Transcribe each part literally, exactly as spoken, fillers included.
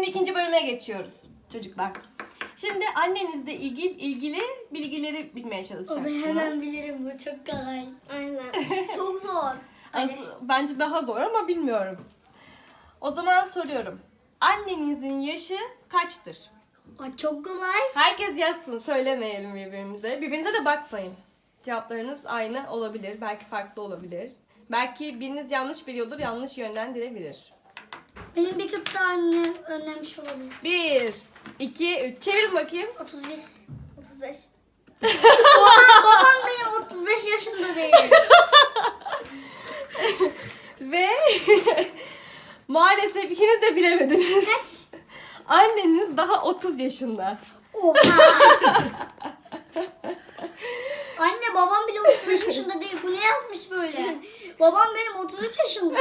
Şimdi ikinci bölüme geçiyoruz çocuklar. Şimdi annenizle ilgili, ilgili bilgileri bilmeye çalışacaksınız. Ben hemen bilirim, bu çok kolay. Aynen. Çok zor. Aslı- bence daha zor ama bilmiyorum. O zaman soruyorum. Annenizin yaşı kaçtır? Aa, çok kolay. Herkes yazsın, söylemeyelim birbirimize. Birbirinize de bakmayın. Cevaplarınız aynı olabilir, belki farklı olabilir. Belki biriniz yanlış biliyordur, yanlış yönlendirebilir. Benim bir kıt daha annem önlemiş olabilir. Bir, iki, üç. Çevirin bakayım. otuz bir. otuz beş. Babam, babam benim otuz beş yaşında değil. Ve maalesef ikiniz de bilemediniz. Kaç? Anneniz daha otuz yaşında. Oha. Anne, babam bile otuz beş yaşında değil. Bu ne yazmış böyle? Babam benim otuz üç yaşında.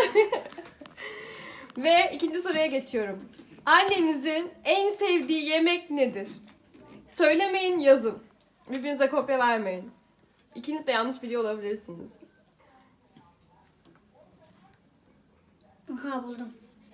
Ve ikinci soruya geçiyorum. Annenizin en sevdiği yemek nedir? Söylemeyin, yazın. Birbirinize kopya vermeyin. İkiniz de yanlış biliyor olabilirsiniz. Aha, buldum.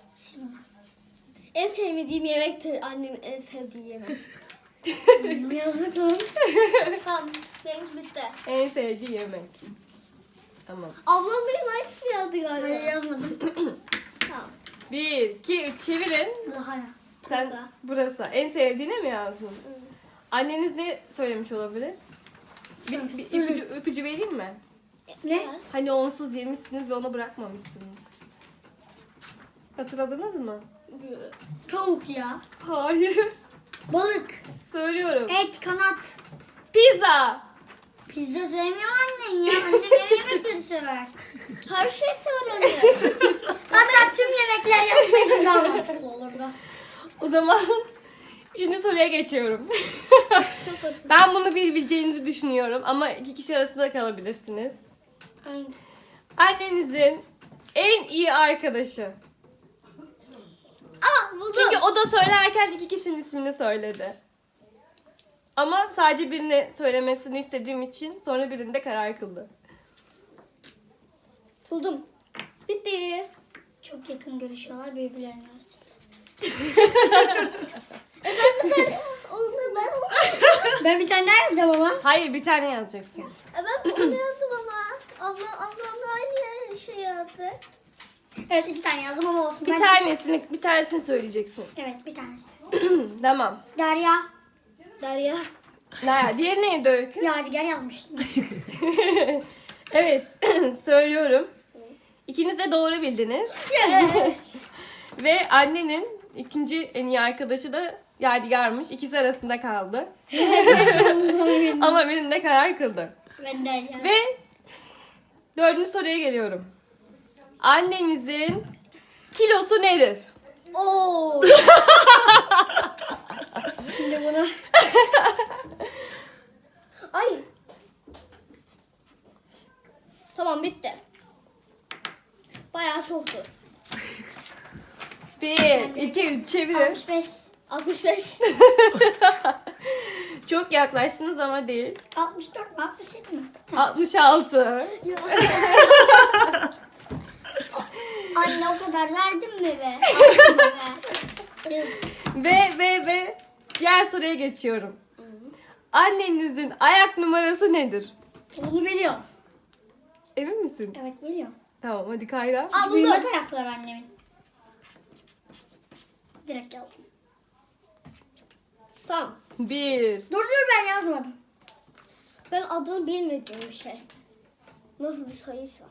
En sevmediğim yemektir annemin en sevdiği yemek. Yazık lan. Tamam, benimki bitti. En sevdiği yemek. Tamam. Ablam benim aynısını yazdı galiba. Hayır, yazmadım. Tamam. Bir, iki, üç çevirin. Daha ne? Sen Burası. burası. En sevdiğine mi yazdın? Anneniz ne söylemiş olabilir? Bir, bir ipucu, ipucu vereyim mi? Ne? Hani onsuz yemişsiniz ve onu bırakmamışsınız. Hatırladınız mı? Tavuk ya. Hayır. Balık. Söylüyorum. Et, kanat. Pizza. Pizza sevmiyor annen ya. Annem ev yemekleri sever. Her şey sever anne. Hatta tüm yemekler yazsaydım daha mantıklı olurdu. O zaman üçüncü soruya geçiyorum. Ben bunu bilebileceğinizi düşünüyorum ama iki kişi arasında kalabilirsiniz. Annenizin en iyi arkadaşı. Aa, buldum. Çünkü o da söylerken iki kişinin ismini söyledi. Ama sadece birini söylemesini istediğim için sonra birinde karar kıldı. Buldum. Bitti. Çok yakın görüşüyorlar birbirlerine. Onu ben onu. Ben bir tane daha yazacağım ama. Hayır, bir tane yazacaksın. E ben onu yazdım ama. Ablam ablamla aynı şey yazdı. Evet, iki tane yazdım ama olsun. Bir Ben- tanesini, bir tanesini söyleyeceksin. Evet, bir tanesi. Tamam. Derya. Derya. Ne? Diğeri neydi Öykü? Yadigar yazmıştım. Evet, söylüyorum. İkiniz de doğru bildiniz. Ve annenin ikinci en iyi arkadaşı da Yadigar'mış. İkisi arasında kaldı. Ama birinde karar kıldı. Ben Derya. Ve dördüncü soruya geliyorum. Annenizin kilosu nedir? Oo. Şimdi bunu. Ay. Tamam, bitti. Bayağı çoktu. Bir, iki, üç çevirin. altmış beş. altmış beş. Çok yaklaştınız ama değil. altmış dört mi? altmış yedi mi? altmış altı. Anne, o kadar verdin mi be? Yazık. Ve ve ve diğer soruya geçiyorum. Annenizin ayak numarası nedir? Bunu biliyorum. Emin misin? Evet, biliyorum. Tamam, hadi Kayra. Aa, buldum. Büyümez ayaklar annemin. Direkt yazdım. Tamam. Bir. Dur dur, ben yazmadım. Ben adını bilmediğim bir şey. Nasıl bir sayıysa.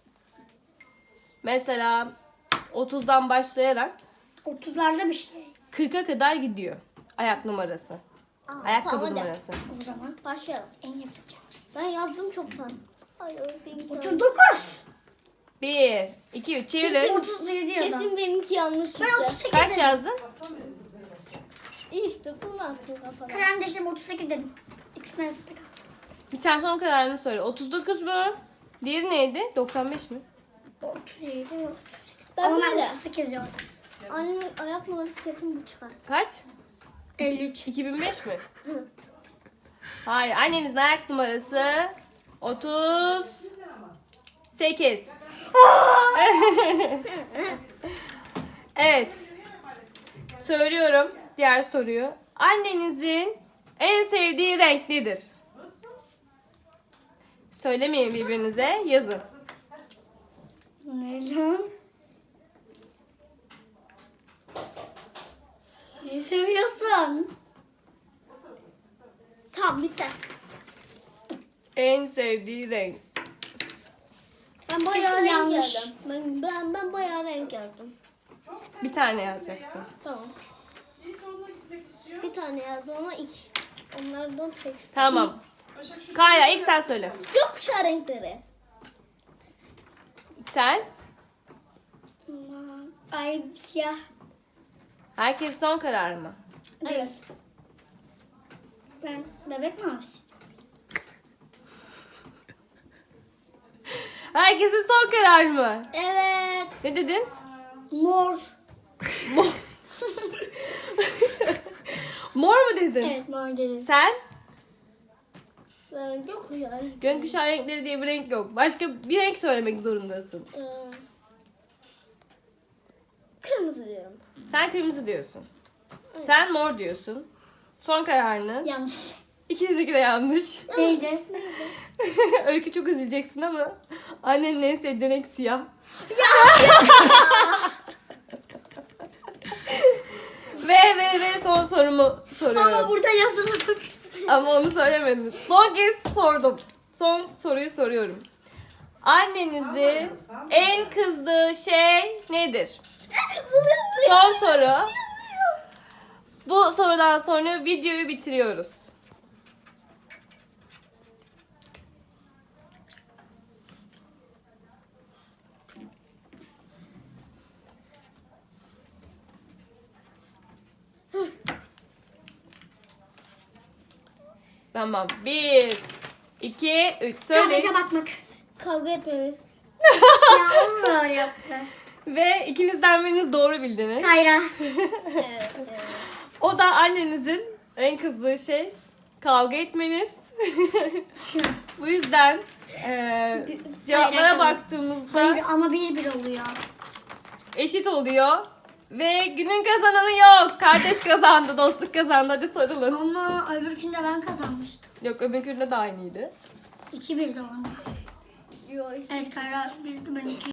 Mesela otuzdan başlayarak otuzlarda bir şey. kırka kadar gidiyor ayak numarası. Aa, Ayakkabı tamam, hadi. numarası. O zaman Başlayalım. en yapacağım. Ben yazdım çoktan. Ay, benimki otuz dokuz. Bir, iki, üç çevirin. otuz yedi yazdım. Kesin benimki yanlış Ben çıktı. otuz sekiz Kaç dedim. yazdın? İyi işte, bunu attım kafana. Kardeşim otuz sekiz dedim. İkisinden arasında kaldı. Bir tane son kararını söyle. otuz dokuz mu? Diğeri neydi? doksan beş mi? otuz yedi, otuz sekiz. Ben Ama böyle. ben otuz sekiz yazdım. Annemin ayak numarası kesin bu çıkar. Kaç? elli üç. iki bin beş mi? Hayır. Annenizin ayak numarası otuz sekiz. Evet. Söylüyorum diğer soruyu. Annenizin en sevdiği renk nedir? Söylemeyin birbirinize, yazın. Ne lan? Ne seviyorsun? Tamam bitti. En sevdiği renk. Ben bayağı Kesin renk yanlış. yazdım. Ben, ben, ben bayağı renk yazdım. Bir tane yazacaksın. Tamam. Bir tane yazdım ama iki. Onlardan sekiz. Tamam. Kayra ilk sen söyle. Gökkuşağı renkleri. Sen? Ay siyah. Herkes son karar mı? Evet. Ben bebek mavisi. Herkesin son karar mı? Evet. Ne dedin? Mor. Mor. Mor mu dedin? Evet mor dedim. Sen? Ben gökkuşağı. Gökkuşağı renkleri diye bir renk yok. Başka bir renk söylemek zorundasın. Ee, kırmızı diyorum. Sen kırmızı diyorsun. Sen mor diyorsun. Son kararını. Yanlış. İkinizinki de yanlış. Neydi? Öykü çok üzüleceksin ama annenin en sevdiği renk siyah. ve ve ve son sorumu soruyorum. Ama burada yazılı. Ama onu söylemedim. Son kez sordum. Son soruyu soruyorum. Annenizin en kızdığı şey nedir? Son soru. Bu sorudan sonra videoyu bitiriyoruz. Tamam. Bir, iki, üç. Söyle. Sadece bakmak. Kavga etmemiz. Ya onu da öyle yaptı. Ve ikinizden biriniz doğru bildiniz. Kayra. Evet, evet. O da annenizin en kızdığı şey kavga etmeniz. Bu yüzden eee, cevaplara Hayır, baktığımızda Hayır ama bir bir oluyor. eşit oluyor. Ve günün kazananı yok. Kardeş kazandı, dostluk kazandı. Hadi sarılın. Ama öbürkünde ben kazanmıştım. Yok öbürkünde de aynıydı. iki bir de onda. Yok. Evet Kayra bildi ben iki.